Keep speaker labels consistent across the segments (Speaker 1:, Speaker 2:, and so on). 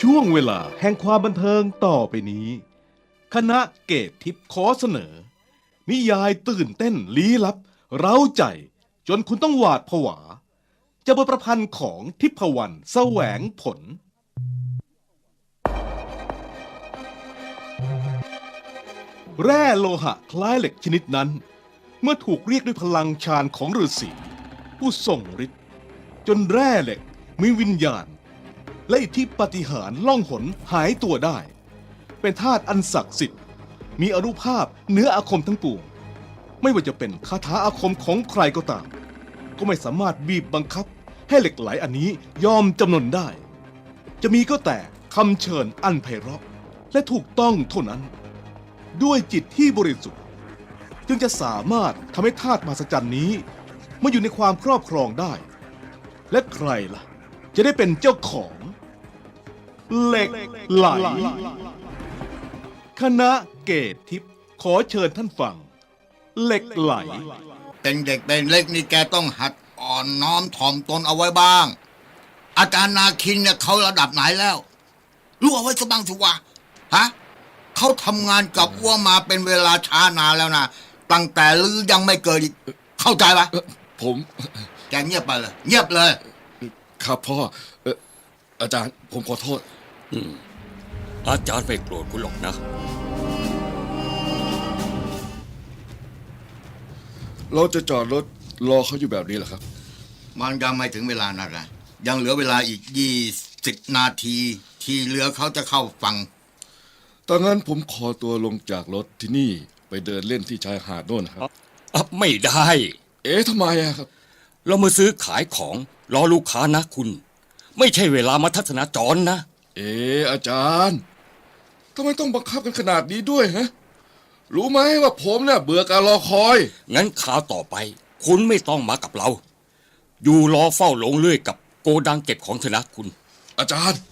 Speaker 1: ช่วงเวลาแห่งความบันเทิงต่อไปนี้ คณะเกตทิพย์ขอเสนอ นิยายตื่นเต้นลี้ลับเร้าใจจนคุณต้องหวาดผวาจะบทประพันธ์ของทิพวรรณแสวงผล แร่โลหะคล้ายเหล็กชนิดนั้น เมื่อถูกเรียกด้วยพลังฌานของฤาษีผู้ทรงฤทธิ์จนแร่เหล็กมีวิญญาณ และอิทธิปาฏิหาริย์ล่องหนหายตัวได้ เป็นธาตุอันศักดิ์สิทธิ์มีอานุภาพเหนืออาคมทั้งปวงไม่ว่าจะเป็นคาถาอาคมของใครก็ตาม ก็ไม่สามารถบีบบังคับให้เหล็กไหลอันนี้ยอมจำนนได้ จะมีก็แต่คำเชิญอันไพเราะและถูกต้องเท่านั้น ด้วยจิตที่บริสุทธิ์จึงจะสามารถทำให้ธาตุมหัศจรรย์นี้มาอยู่ในความครอบครองได้ และใครล่ะจะได้เป็นเจ้าของเหล็กไหลคณะเกตทิพย์ขอเชิญท่านฟังเหล็กไหล
Speaker 2: เป็นเด็กเป็นเล็กนี่แกต้องหัดอ่อนน้อมถ่อมตนเอาไว้บ้าง อาจารย์นาคินเนี่ยเขาระดับไหนแล้วรู้เอาไว้สักบ้างสิวะฮะเขาทำงานกับอ้วมาเป็นเวลาช้านานแล้วนะตั้งแต่ลือยังไม่เกิดอีกเข้าใจปะ
Speaker 3: ผม
Speaker 2: แกเงียบไปเลยเงียบเลย
Speaker 3: ครับพ่ออาจารย์ผมขอโทษ
Speaker 4: อาจารย์ไม่โกรธคุณหรอกนะ
Speaker 3: เราจะจอดรถรอเขาอยู่แบบนี้เหรอครับ
Speaker 2: มันยังไม่ถึงเวลานักนะยังเหลือเวลาอีก20 นาทีที่เรือเขาจะเข้าฝั่ง
Speaker 3: ตอนนั้นผมขอตัวลงจากรถที่นี่ไปเดินเล่นที่ชายหาดโน่นครับ
Speaker 4: ไม่ได้
Speaker 3: ทำไมอะครับ
Speaker 4: เรามาซื้อขายของรอลูกค้านะคุณ ไม่ใช่เวลามาทัศนาจรนะ
Speaker 3: อาจารย์ทำไมต้องบังคับกันขนาดนี้ด้วยฮะรู้ไหมว่าผมเนี่ยเบื่อการรอคอย
Speaker 4: งั้นข่าวต่อไป คุณไม่ต้องมากับเรา อยู่รอเฝ้าลงเลื่อยกับโกดังเก็บของเถอะนะคุณ
Speaker 3: อาจารย์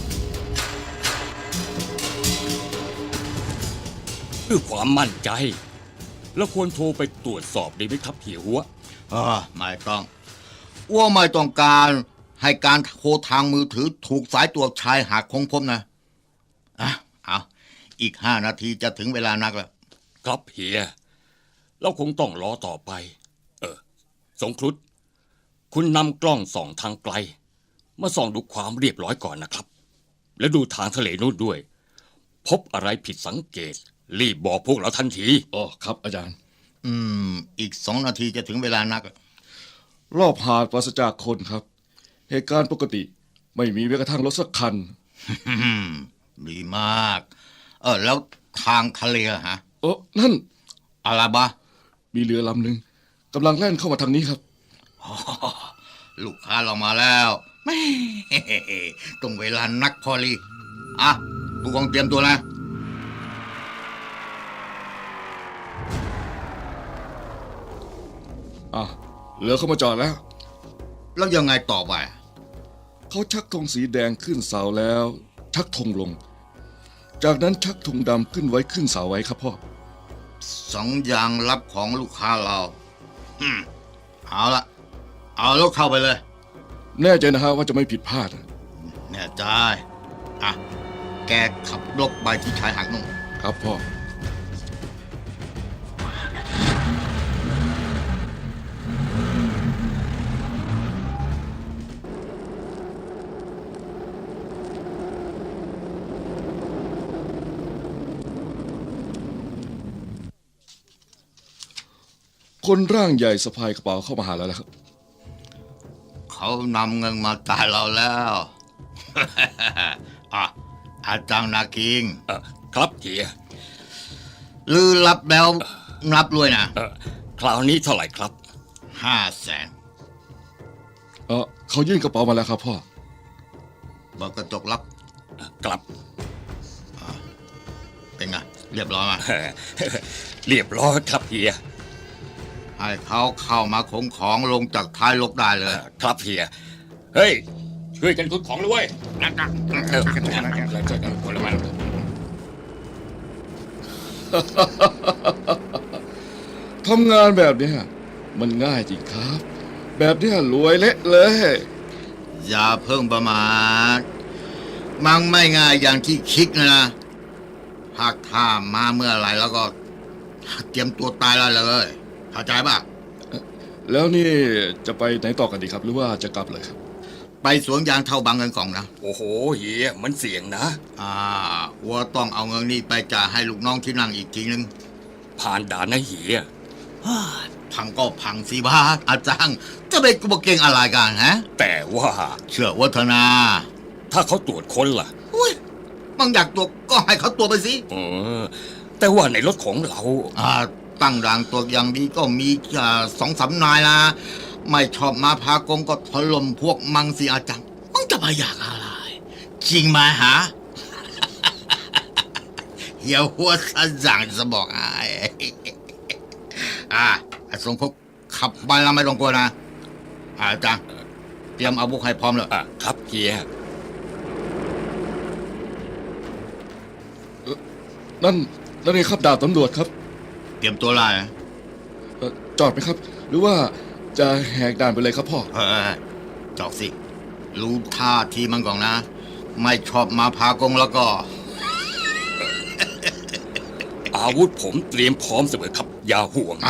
Speaker 4: เพื่อความมั่นใจ แล้วควรโทรไปตรวจสอบดีไหมครับเหี่ยวหัว
Speaker 2: ไม่ต้องอ้วไม่ต้องการให้การโทรทางมือถือถูกสายตรวจชายหาดคงพบนะเอาอีก5 นาทีจะถึงเวลานักแล้ว
Speaker 4: ครับเฮียเราคงต้องรอต่อไป สงครุฑคุณนำกล้องส่องทางไกล มาส่องดูความเรียบร้อยก่อนนะครับ แล้วดูทางทะเลนู่นด้วย พบอะไรผิดสังเกต รีบบอกพวกเราทันที
Speaker 3: ครับอาจารย์
Speaker 2: อีก2 นาทีจะถึงเวลานัก
Speaker 3: รอบหาดปราศจากคนครับ เหตุการณ์ปกติไม่มีแม้กระทั่งรถสักคัน
Speaker 2: ดีมากแล้วทางทะเลฮะ
Speaker 3: นั่น
Speaker 2: อะไรบะ
Speaker 3: มีเรือลำหนึ่งกำลังแล่นเข้ามาทางนี้ครับ
Speaker 2: ลูกค้าเรามาแล้วแม่ตรงเวลานักพอลีผู้กองเตรียมตัวนะ
Speaker 3: เรือเข้ามาจอดแล้ว
Speaker 2: แล้วยังไงต่อไป
Speaker 3: เขาชักธงสีแดงขึ้นเสาแล้ว ชักธงลง จากนั้นชักธงดำขึ้นไว้ขึ้นเสาไว้ครับพ่อ
Speaker 2: 2 อย่างลับของลูกค้าเราเอาละเอารถเข้าไปเลย
Speaker 3: แน่ใจนะฮะว่าจะไม่ผิดพลาด
Speaker 2: แน่ใจแกขับรถไปที่ชายหาดนู่น
Speaker 3: ครับพ่อ คนร่างใหญ่สะพายกระเป๋าเข้ามาหาแล้วนะครับ
Speaker 2: เขานำเงินมาจ่ายเราแล้ว อาจารย์นาคิง
Speaker 4: ครับเฮีย
Speaker 2: ลือรับแล้วรับรวยนะ
Speaker 4: คราวนี้เท่าไหร่ครับ
Speaker 2: 500,000
Speaker 3: เขายื่นกระเป๋ามาแล้วครับพ่อ
Speaker 2: บอกกระจกรับ
Speaker 4: กลับ
Speaker 2: เป็นไงเรียบร้อยไหม
Speaker 4: เรียบร้อยครับเฮีย
Speaker 2: ให้เขาเข้ามาขนของลงจากท้ายรถได้เลย
Speaker 4: ครับเฮีย เฮ้ย ช่วยกันขนของด้วยคนละมัน
Speaker 3: ทำงานแบบเนี้ยมันง่ายจริงครับ แบบเนี้ยรวยเละเลย
Speaker 2: อย่าเพิ่งประมาทมังไม่ง่ายอย่างที่คิดนะหากถ้ามาเมื่อไหร่แล้วก็เตรียมตัวตายแล้วเลยเข้าใจป่ะ
Speaker 3: แล้วนี่จะไปไหนต่อกันดีครับ หรือว่าจะกลับเลยครับ
Speaker 2: ไปสวนยางเท่าบางเงินกล่องนะ
Speaker 4: โอ้โหเฮียมันเสี่ยงนะ
Speaker 2: วัวต้องเอาเงินนี้ไปจ่ายให้ลูกน้องที่นั่งอีกทีนึง
Speaker 4: ผ่านด่านนะเฮีย
Speaker 2: พังก็พังสิบ้าอาจารย์จะไปกลัวเก่งอะไรกันฮะ
Speaker 4: แต่ว่า
Speaker 2: เชื่อวัฒนา
Speaker 4: ถ้าเขาตรวจค้นล่ะ
Speaker 2: อุ้ยมึงอยากตัวก็ให้เขาตัวไปสิ
Speaker 4: เออ แต่ว่าในรถของเรา
Speaker 2: ตั้งด่านตัวอย่างดีก็มี2-3 นายนะไม่ชอบมาพากงก็ถล่มพวกมังสิอาจารย์มึงจะไปอยากอะไร จริงไหมฮะ เฮียหัวสะจังจะบอกไอ้ไอ้สงพกขับไปแล้วไม่ต้องกลัวนะอาจารย์เตรียมอาวุธให้พร้อมเลย
Speaker 4: ครับเฮีย
Speaker 3: นั่นเองครับดาบตำรวจครับ
Speaker 2: เตรียมตัวไล่นะ
Speaker 3: จอดไหมครับ หรือว่าจะแหกด่านไปเลยครับพ่อ
Speaker 2: จอกสิ รู้ท่าทีมันก่อนนะ ไม่ชอบมาพากงแล้วก็
Speaker 4: อาวุธผมเตรียมพร้อมเสมอครับ อย่าห่วง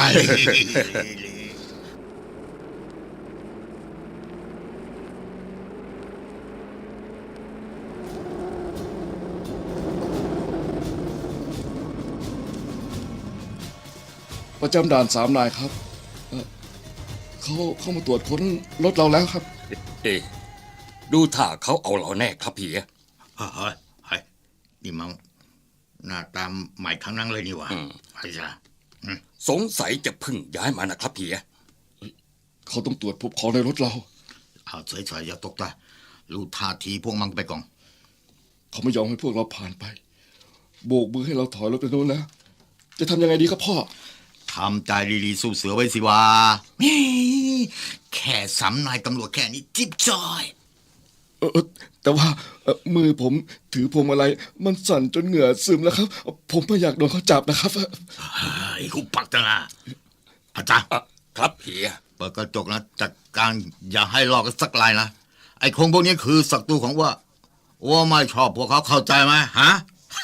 Speaker 3: ประจำด่าน3 นายครับเขาเข้ามาตรวจค้นรถเราแล้วครับ
Speaker 4: เอ๊ะดูท่าเขาเอาเราแน่ครับเฮีย
Speaker 2: เฮ้ยนี่มันหน้าตามใหม่ทั้งนั้นเลยนี่หว่าไอ้จ้า
Speaker 4: สงสัยจะเพึ่งย้ายมานะครับเฮีย
Speaker 3: เขาต้องตรวจพบของในรถเรา
Speaker 2: เอาเฉยๆอย่าตกใจรู้ท่าทีพวกมันไปก่อน
Speaker 3: เขาไม่ยอมให้พวกเราผ่านไป โบกมือให้เราถอยรถไปโน้นแล้ว จะทำยังไงดีครับพ่อ
Speaker 2: ทำใจดีๆสู้เสือไว้สิวะแค่3 นายตำรวจแค่นี้จิ๊บจอย
Speaker 3: แต่ว่ามือผมถือพวงมาลัยมันสั่นจนเหงื่อซึมแล้วครับ ผมไม่อยากโดนเขาจับนะครับ
Speaker 2: ไอ้หุบปักจังนะอาจารย์
Speaker 4: ครับเฮีย
Speaker 2: เปิดกระจกนะจัดการอย่าให้ลอกกันสักลายนะไอ้คงพวกนี้คือศัตรูของว่าไม่ชอบพวกเขาเข้าใจไหมฮะ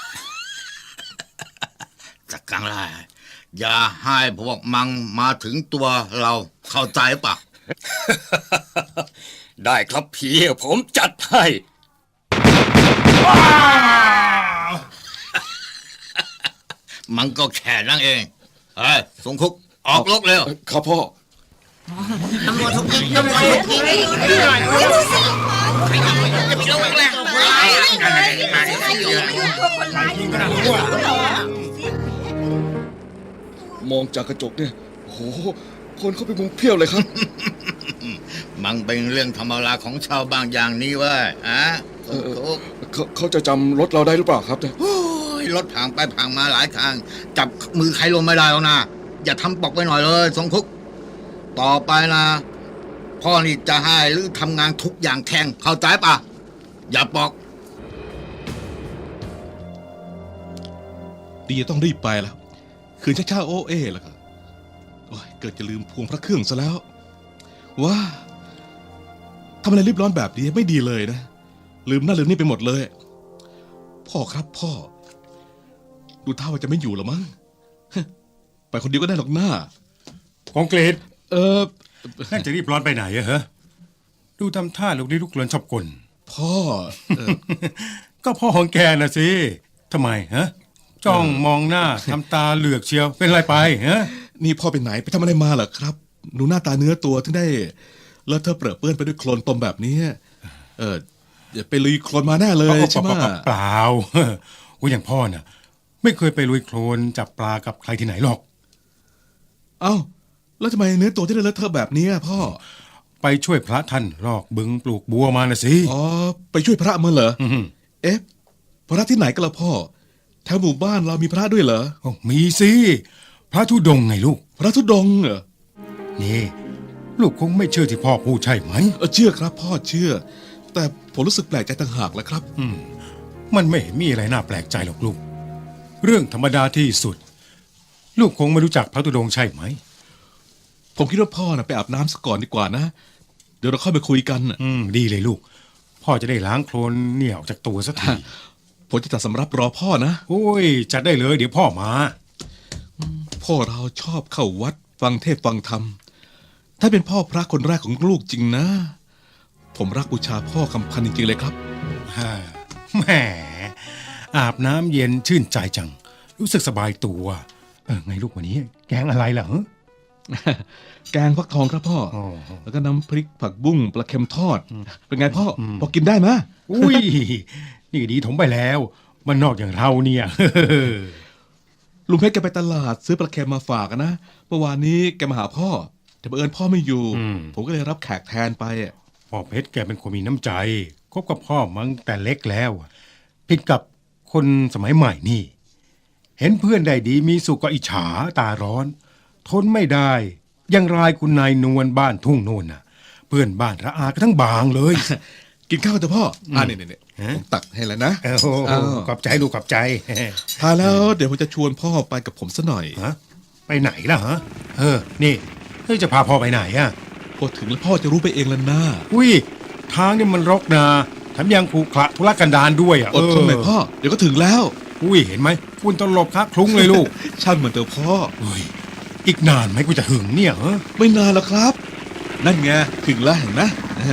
Speaker 2: จัดการเลยอย่าให้พวกมังมาถึงตัวเราเข้าใจปะ
Speaker 4: ได้ครับเฮียผมจัดให้
Speaker 2: มันก็แค่นั่งเองเฮ้ยสงคุกออกรกเร็ว
Speaker 3: ครับพ่อ มองจากกระจกเนี่ยโหคนเข้าไปมุงเพี้ยวเลยครับ
Speaker 2: มันเป็นเรื่องธรรมดาของชาวบางอย่างนี้เว้ยสงคุก
Speaker 3: เขาจะจำรถเราได้หรือเปล่าครับเนี่ย
Speaker 2: โอ้ยรถผ่านไปผ่านมาหลายทาง จับมือใครลงไม่ได้แล้วนะ อย่าทำปอกไปหน่อยเลยสงคุก ต่อไปนะพ่อนี่จะให้หรือทำงานทุกอย่างแทงเข้าใจปะอย่าปอก
Speaker 1: ดีต้องรีบไปแล้ว คืนช้าๆโอเอแล้วก็โอ้ยเกิดจะลืมพวงพระเครื่องซะแล้วว้าทำอะไรรีบร้อนแบบนี้ไม่ดีเลยนะ ลืมนั่นลืมนี่ไปหมดเลย พ่อครับพ่อ ดูท่าว่าจะไม่อยู่หรอมั้ง ไปคนเดียวก็ได้หรอกหน้า
Speaker 5: ของเกรด
Speaker 6: นั่นจะรีบร้อนไปไหนอะฮะ ดูทำท่าลูกนี้ลูกเกลือนชอบกล
Speaker 1: พ่อ
Speaker 6: ก็พ่อของแกน่ะสิทำไมฮะ จ้องมองหน้าทำตาเหลือกเชียวเป็นไรไปฮะ
Speaker 1: นี่พ่อไปไหนไปทำอะไรมาเหรอครับหนูหน้าตาเนื้อตัวถึงได้แล้วเธอเปรอะเปื้อนไปด้วยโคลนตมแบบนี้อย่าไปลุยโคลนมาแน่เลยใช่ไหม
Speaker 6: เปล่าโอ้ยอย่างพ่อน่ะ ไม่เคยไปลุยโคลนจับปลากับใครที่ไหนหรอก
Speaker 1: เอ้าแล้วทำไมเนื้อตัวที่ได้เลอะเทอะแบบนี้พ่อ
Speaker 6: ไปช่วยพระท่านลอกบึงปลูกบัวมาน่ะสิ
Speaker 1: อ๋อไปช่วยพระมาเหรอ
Speaker 6: อืม
Speaker 1: เอ๊ะพระที่ไหนกันล่ะพ่อแถวหมู่บ้านเรามีพระด้วยเหรอ
Speaker 6: มีสิพระธุดงค์ไงลูก
Speaker 1: พระธุดงค์เหรอ
Speaker 6: นี่ลูกคงไม่เชื่อที่พ่อพูดใช่ไหม
Speaker 1: เชื่อครับพ่อเชื่อ แต่ผมรู้สึกแปลกใจต่างหากแหละครับ
Speaker 6: มันไม่เห็นมีอะไรน่าแปลกใจหรอกลูก เรื่องธรรมดาที่สุด ลูกคงไม่รู้จักพระธุดงค์ใช่ไหม
Speaker 1: ผมคิดว่าพ่อน่ะไปอาบน้ำซะก่อนดีกว่านะ เดี๋ยวเราค่อยไปคุยกันน่ะ
Speaker 6: ดีเลยลูก พพ่อจะได้ล้างโคลนเนี่ยออกจากตัวสักที
Speaker 1: ผมจะจัดสำรับรอพ่อนะ
Speaker 6: โอ้ยจัดได้เลยเดี๋ยวพ่อมา
Speaker 1: พ่อเราชอบเข้าวัดฟังเทศน์ฟังธรรม ถ้าเป็นพ่อพระคนแรกของลูกจริงนะ ผมรักบูชาพ่อคำพันธ์จริงๆเลยครับ
Speaker 6: ฮ่าแหมอาบน้ำเย็นชื่นใจจัง รู้สึกสบายตัวไงลูกวันนี้ แกงอะไรล่ะฮะ
Speaker 1: แกงฟักทองครับพ่อ
Speaker 6: อ๋อ
Speaker 1: แล้วก็น้ำพริกผักบุ้งปลาเค็มทอด เป็นไงพ่อพอกินได้ไหม
Speaker 6: อุ้ยนี่ดีถมไปแล้วมันนอกอย่างเราเนี่ย
Speaker 1: ลุงเพชรแกไปตลาดซื้อปลาเค็มมาฝากอะนะเมื่อวานนี้แกมาหาพ่อ แต่บังเอิญพ่อไม่อยู่ ผมก็เลยรับแขกแทนไปอะ
Speaker 6: พ่อเพชรแกเป็นคนมีน้ำใจคบกับพ่อมั้งแต่เล็กแล้วผิดกับคนสมัยใหม่นี่ เห็นเพื่อนได้ดีมีสุขก็อิจฉาตาร้อน ทนไม่ได้ยังรายคุณนายนวลบ้านทุ่งโน่นน่ะ เพื่อนบ้านระอากันทั้งบางเลย
Speaker 1: กินข้าวเถอะพ่อเนี่ยผมตักให้แล้วนะ
Speaker 6: โอ้โห
Speaker 1: อ้าว
Speaker 6: ขอบใจลูกขอบใจ
Speaker 1: ทานแล้วเดี๋ยวผมจะชวนพ่อไปกับผมซะหน่อย
Speaker 6: ฮะไปไหนล่ะฮะนี่จะพาพ่อไปไหนอ่ะ
Speaker 1: พอถึงแล้วพ่อจะรู้ไปเองแล้วนะ
Speaker 6: อุ้ยทางนี่มันรกนะแถมยังขรุขระทุรกันดารด้วยอ่ะ
Speaker 1: อดทนหน่อยพ่อเดี๋ยวก็ถึงแล้ว
Speaker 6: อุ้ยเห็นไหมฝุ่นตลบคะคลุ้งเลยลูก
Speaker 1: ช่างเหมือนเตอพ่อ
Speaker 6: เฮ้ยอีกนานไหมกูจะหึงเนี่ยฮะ
Speaker 1: ไม่นานแล้วครับ นั่นไงถึงแล้วเห็นไหม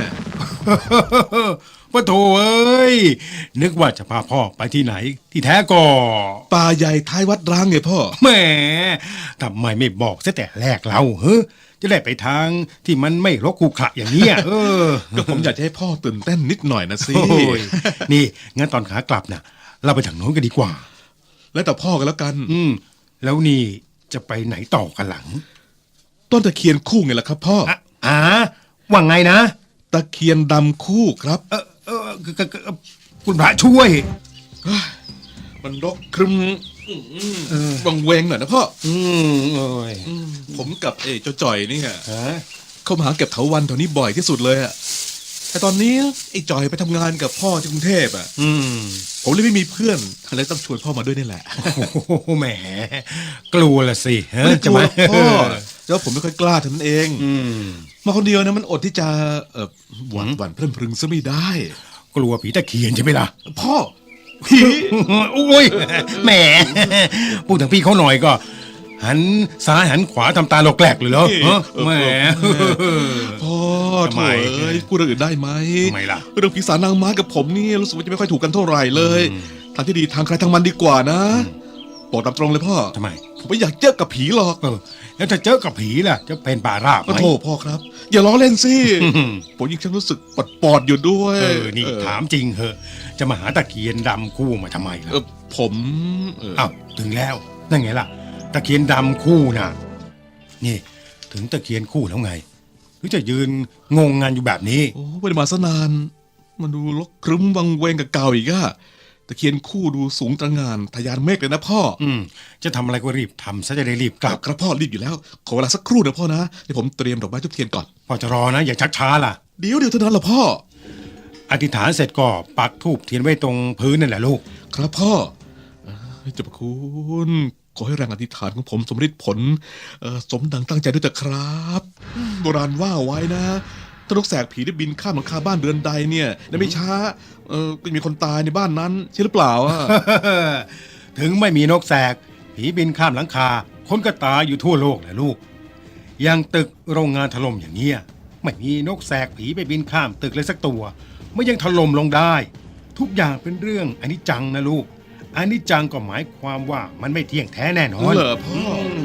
Speaker 6: ว่าโถเอ้ยนึกว่าจะพาพ่อไปที่ไหน ที่แท้ก็
Speaker 1: ป่าใหญ่ท้ายวัดร้างไงพ่อ
Speaker 6: แหมทำไมไม่บอกซะแต่แรกเราจะได้ไปทางที่มันไม่รกขรุขระอย่างเนี้ย
Speaker 1: ก็ผมอยากจะให้พ่อตื่นเต้นนิดหน่อยนะสิ
Speaker 6: โอ้ยนี่งั้นตอนขากลับน่ะ เราไปทางโน้นกันดีกว่า
Speaker 1: แล้วแต่พ่อกันแล้วกัน
Speaker 6: แล้วนี่จะไปไหนต่อกันหลัง
Speaker 1: ต้นตะเคียนคู่ไงล่ะครับพ่อ
Speaker 6: ว่าไงนะ
Speaker 1: ตะเคียนดำคู่ครับ
Speaker 6: คุณพระช่วย
Speaker 1: มันรกครึมวังเวงหน่อยนะพ่อ
Speaker 6: เอ้ย
Speaker 1: ผมกับเจ้าจ่อยนี่ไง
Speaker 6: ฮะ
Speaker 1: เข้ามาหาเก็บเถาวันแถวนี้บ่อยที่สุดเลยอะแต่ตอนนี้ไอ้จ่อยไปทำงานกับพ่อที่กรุงเทพอะผมเลยไม่มีเพื่อนเลยต้องชวนพ่อมาด้วยนี่แหละ
Speaker 6: โอ้โหแหม กลัวละสิฮะ
Speaker 1: ไม่กลัวหรอก
Speaker 6: จะ
Speaker 1: พ่อ
Speaker 6: มา
Speaker 1: แล้วผมไม่ค่อยกล้าเท่านั้นเอง มาคนเดียวนะมันอดที่จะหวั่นเพลินพรึงซะไม่ได้
Speaker 6: กลัวผีตะเคียนใช่ไหมล่ะ
Speaker 1: พ่อผี
Speaker 6: โอ้ยแหมพูดถึงพี่เขาหน่อยก็ หันซ้ายหันขวาทำตาหลอกแหลกเลยเหรอแหม
Speaker 1: พ่อ
Speaker 6: ทำ
Speaker 1: โถ
Speaker 6: ไม
Speaker 1: เอ้ยพูดเรื่องอื่นได้ไหม
Speaker 6: ทำไมล่ะ
Speaker 1: เรื่องผีสางนางไม้กับผมนี่รู้สึกว่าจะไม่ค่อยถูกกันเท่าไหร่เลยทางที่ดีทางใครทางมันดีกว่านะบอกตามตรงเลยพ่อ
Speaker 6: ทำไม
Speaker 1: ผมไม่อยากเจอกับผีหรอก
Speaker 6: แล้วจะเจอกับผีล่ะ จะเป็นป่าราบไห
Speaker 1: โอ้
Speaker 6: ม
Speaker 1: โถพ่อครับ อย่าล้อเล่นสิผมยิ่งฉันรู้สึกปอดๆอยู่ด้วย
Speaker 6: นี่ถามจริงเหอะ จะมาหาตะเคียนดำคู่มาทำไมล่ะ
Speaker 1: ผม
Speaker 6: อ้าวถึงแล้วนั่นไงล่ะ ตะเคียนดำคู่น่ะ นี่ถึงตะเคียนคู่แล้วไง หรือจะยืนงงงานอยู่แบบนี้
Speaker 1: โอ้ไม่ได้มาซะนานมันดูรกครึ้มวังเวงกับเก่าอีกอะตะเคียนคู่ดูสูงตระหง่านทะยานเมฆเลยนะพ่อ
Speaker 6: จะทำอะไรก็รีบทำซะจะได้รีบกลับ
Speaker 1: ครับพ่อรีบอยู่แล้ว ขอเวลาสักครู่นะพ่อนะเดี๋ยวผมเตรียมดอกไม้ทุบเทียนก่อน
Speaker 6: พอจะรอนะ อย่าชักช้าล่ะ
Speaker 1: เดี๋ยวเท่านั้นแหละพ่อ
Speaker 6: อธิษฐานเสร็จก็ปักธูปเทียนไว้ตรงพื้นนั่นแหละลูก
Speaker 1: ครับพ่อเจ้าพระคุณขอให้แรงอธิษฐานของผมสมฤทธิ์ผลสมดังตั้งใจด้วยเถอะครับโบราณว่าไว้นะถ้านกแสกผีได้บินข้ามหลังคาบ้านเรือนใดเนี่ยในไม่ช้าก็มีคนตายในบ้านนั้นใช่หรือเปล่าอะ
Speaker 6: ถึงไม่มีนกแสกผีบินข้ามหลังคา คนก็ตายอยู่ทั่วโลกแหละลูกอย่างตึกโรงงานถล่มอย่างเนี้ยไม่มีนกแสกผีไปบินข้ามตึกเลยสักตัวไม่ยังถล่มลงได้ ทุกอย่างเป็นเรื่องอนิจจังนะลูกอนิจจังก็หมายความว่ามันไม่เที่ยงแท้แน่นอน
Speaker 1: เหรอพ่อ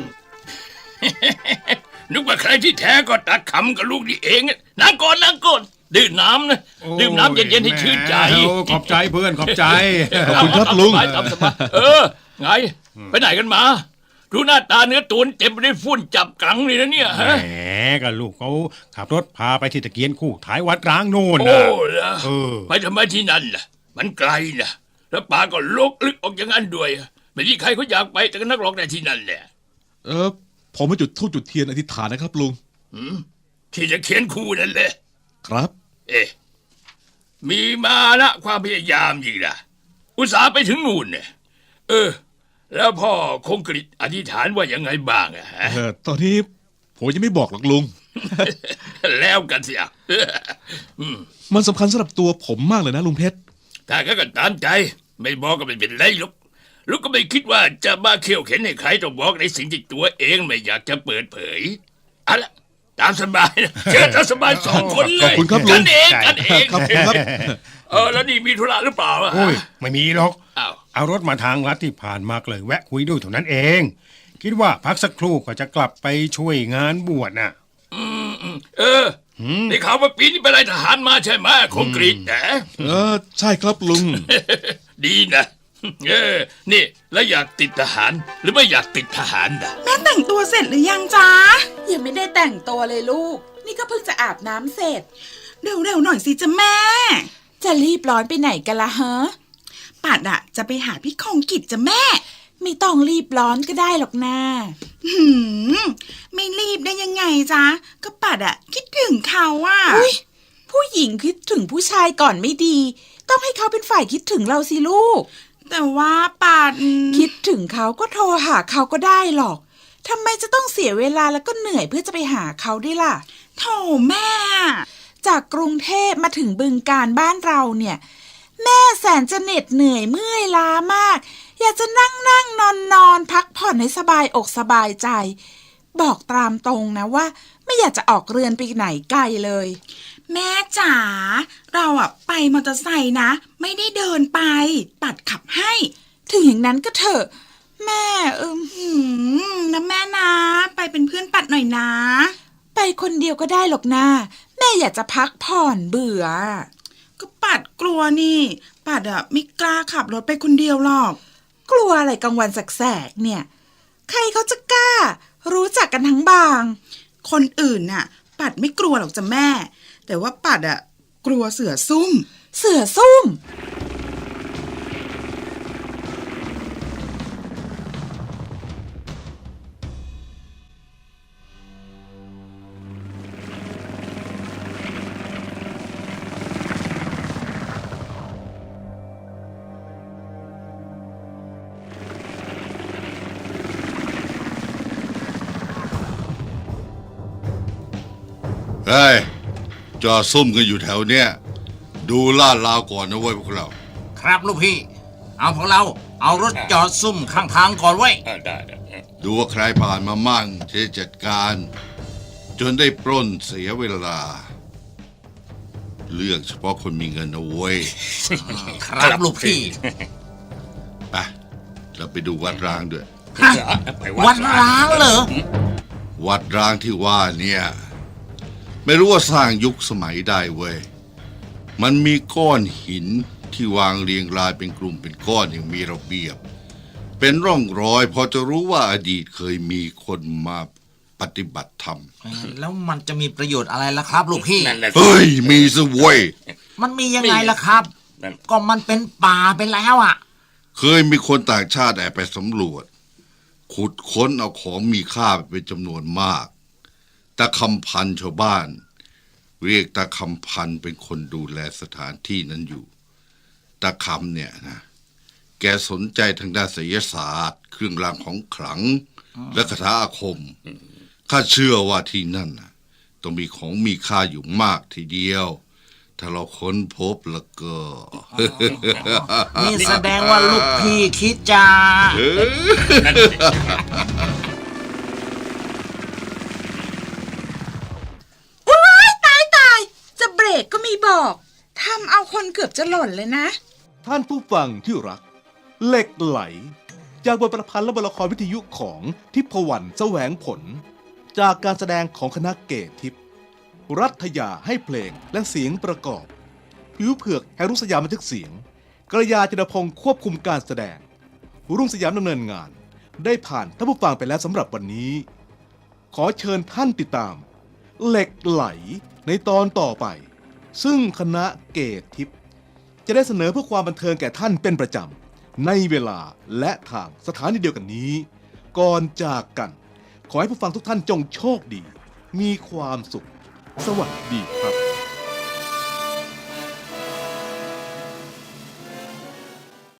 Speaker 4: นึกว่าใครที่แท้ก็ตัดคำกับลูกนี่เองนั่งก่อนดื่มน้ำนะดื่มน้ำเย็นๆให้ชื่นใจ
Speaker 6: โอ้ขอบใจเพื่อนขอบใจ
Speaker 1: ขอบคุณครับลุง
Speaker 4: ตามสบายไงไปไหนกันมาดูหน้าตาเนื้อตัวเต็มไปด้วยฝุ่นจับกังเลยนะเนี่ย
Speaker 6: แห
Speaker 4: ฮะ
Speaker 6: มก็ลูกเขาขับรถพาไปที่ตะเกียนคู่ท้ายวัดร้างโน่น
Speaker 4: โอ้
Speaker 6: นะ
Speaker 4: ล่ะไปทำไมที่นั่นล่ะมันไกลนะแล้วป่าก็ลกลึกออกอย่างนั้นด้วยไม่มีใครเขาอยากไปแต่ก็นักร้องในที่นั่นแหละ
Speaker 1: ผมมาจุดธูปจุดเทียนอธิษฐานนะครับลุง
Speaker 4: ที่จะเขียนคู่นั่นแหละ
Speaker 1: ครับ
Speaker 4: มีมานะความพยายามจริงนะอุตส่าห์ไปถึงนู่นเนี่ยแล้วพ่อคงกฤษอธิษฐานว่ายังไงบ้างอะฮะ
Speaker 1: ตอนนี้ผมยังไม่บอกหรอกลุง
Speaker 7: แล้วกันสิอ่ะ
Speaker 1: มันสำคัญสำหรับตัวผมมากเลยนะลุงเพชร
Speaker 7: ถ้าก็ตามใจ ไม่บอกก็ไม่เป็นไรหรอกลูกก็ไม่คิดว่าจะมาเขี่ยวเข็นให้ใครต้องบอกในสิ่งที่ตัวเองไม่อยากจะเปิดเผยเอาละตามสบายนะเชิญตามสบาย2 คนเลย
Speaker 1: ขอบคุณครับลุง
Speaker 7: กันเองกันเอง
Speaker 1: ครับครับ
Speaker 7: แล้วนี่มีธุระหรือเปล่าอ่ะ
Speaker 6: โอ้ยไม่มีหรอก
Speaker 7: อ้าว
Speaker 6: เอารถมาทางลัดที่ผ่านมาเลยแวะคุยด้วยเท่านั้นเอง คิดว่าพักสักครู่ก็จะกลับไปช่วยงานบวชน่ะ
Speaker 7: ได้ข่าวว่าปีนี้เป็นนายทหารมาใช่ไหมคงกรีดแต่
Speaker 1: ใช่ครับลุง
Speaker 7: ดีนะนี่แล้วอยากติดทหารหรือไม่อยากติดทหารนะ
Speaker 8: แม่แต่งตัวเสร็จหรือยังจ๊ะ
Speaker 9: ยังไม่ได้แต่งตัวเลยลูก นี่ก็เพิ่งจะอาบน้ำเสร็จ
Speaker 8: เร็วๆหน่อยสิจ๊ะแม่
Speaker 9: จะรีบร้อนไปไหนกันละฮะ
Speaker 8: ปัดอะจะไปหาพี่คงกิจจ้ะแม่
Speaker 9: ไม่ต้องรีบร้อนก็ได้หรอกนะ
Speaker 8: หืมไม่รีบได้ยังไงจ๊ะ ก็ปัดอะคิดถึงเขาอะ
Speaker 9: อุ๊ย ผู้หญิงคิดถึงผู้ชายก่อนไม่ดี ต้องให้เขาเป็นฝ่ายคิดถึงเราสิลูก
Speaker 8: แต่ว่าปัด
Speaker 9: คิดถึงเขาก็โทรหาเขาก็ได้หรอกทำไมจะต้องเสียเวลาแล้วก็เหนื่อยเพื่อจะไปหาเขาด้วยล่ะ
Speaker 8: โถแม่
Speaker 9: จากกรุงเทพมาถึงบึงการบ้านเราเนี่ย แม่แสนจะเหน็ดเหนื่อยเมื่อยล้ามาก อยากจะนั่งนอนพักผ่อนให้สบายอกสบายใจ บอกตามตรงนะว่า ไม่อยากจะออกเรือนไปไหนไกลเลย
Speaker 8: แม่จ๋าเราอะไปมอเตอร์ไซค์นะ ไม่ได้เดินไป ปัดขับให้
Speaker 9: ถึงอย่างนั้นก็เถอะแม่
Speaker 8: นะแม่นะ ไปเป็นเพื่อนปัดหน่อยนะ
Speaker 9: ไปคนเดียวก็ได้หรอกนะแม่อยากจะพักผ่อนเบื่อ
Speaker 8: ก็ปัดกลัวนี่ ปัดอะไม่กล้าขับรถไปคนเดียวหรอก
Speaker 9: กลัวอะไรกลางวันแสกๆเนี่ย ใครเขาจะกล้า รู้จักกันทั้งบาง
Speaker 8: คนอื่นน่ะ ปัดไม่กลัวหรอกจ้ะแม่ แต่ว่าปัดอะกลัวเสือซุ่ม
Speaker 9: เสือซุ่ม
Speaker 2: เฮ้ยจอดซุ่มกันอยู่แถวเนี้ยดูลาดราวก่อนนะเว้ยพวกเรา
Speaker 10: ครับลูกพี่ เอาพวกเราเอารถจอดซุ่มข้างทางก่อนไว้ย
Speaker 7: ได้
Speaker 2: ดูว่าใครผ่านมามั่งจะได้จัดการ จนได้ปล้นเสียเวลา เลือกเฉพาะคนมีเงินเอาเว้ย
Speaker 10: ครับลูกพี่
Speaker 2: ไปเราไปดูวัดร้างด้วย
Speaker 10: ฮะวัดร้างเหรอ
Speaker 2: วัดร้างที่ว่าเนี่ยไม่รู้ว่าสร้างยุคสมัยได้เว้ย มันมีก้อนหินที่วางเรียงรายเป็นกลุ่มเป็นก้อนอย่างมีระเบียบ เป็นร่องรอยพอจะรู้ว่าอดีตเคยมีคนมาปฏิบัติธรรม
Speaker 10: แล้วมันจะมีประโยชน์อะไรล่ะครับลูกพี่
Speaker 7: นั่นแหละสิ
Speaker 2: เฮ้ย มีซะเว้ย
Speaker 10: มันมียังไงล่ะครับ
Speaker 7: นั่น
Speaker 10: ก็มันเป็นป่าไปแล้วอ่ะ
Speaker 2: เคยมีคนต่างชาติแอบไปสำรวจ ขุดค้นเอาของมีค่าไปเป็นจำนวนมากตาคำพันชาวบ้าน เรียกตาคำพันเป็นคนดูแลสถานที่นั้นอยู่ตาคำเนี่ยนะแกสนใจทางด้านไสยศาสตร์ เครื่องรางของขลัง และคาถาอาคมข้าเชื่อว่าที่นั่นน่ะต้องมีของมีค่าอยู่มากทีเดียว ถ้าเราค้นพบแล้วก็
Speaker 10: นี่แสดงว่าลูกพี่คิดจะ
Speaker 7: นั่นสิ
Speaker 9: ตายจะเบรกก็ไม่บอกทำเอาคนเกือบจะหล่นเลยนะ
Speaker 1: ท่านผู้ฟังที่รัก เหล็กไหล จากบทประพันธ์และบทละครวิทยุของทิพวรรณแสวงผล จากการแสดงของคณะเกตทิพย์รัฐยาให้เพลงและเสียงประกอบ ผิวเผือกแห่งรุ่งสยามบันทึกเสียงกระยาจินพงศ์ควบคุมการแสดง รุ่งสยามดำเนินงาน ได้ผ่านท่านผู้ฟังไปแล้วสำหรับวันนี้ ขอเชิญท่านติดตาม เหล็กไหลในตอนต่อไป ซึ่งคณะเกตทิพย์จะได้เสนอเพื่อความบันเทิงแก่ท่านเป็นประจำในเวลาและทางสถานีเดียวกันนี้ ก่อนจากกัน ขอให้ผู้ฟังทุกท่านจงโชคดี มีความสุข สวัสดีครับ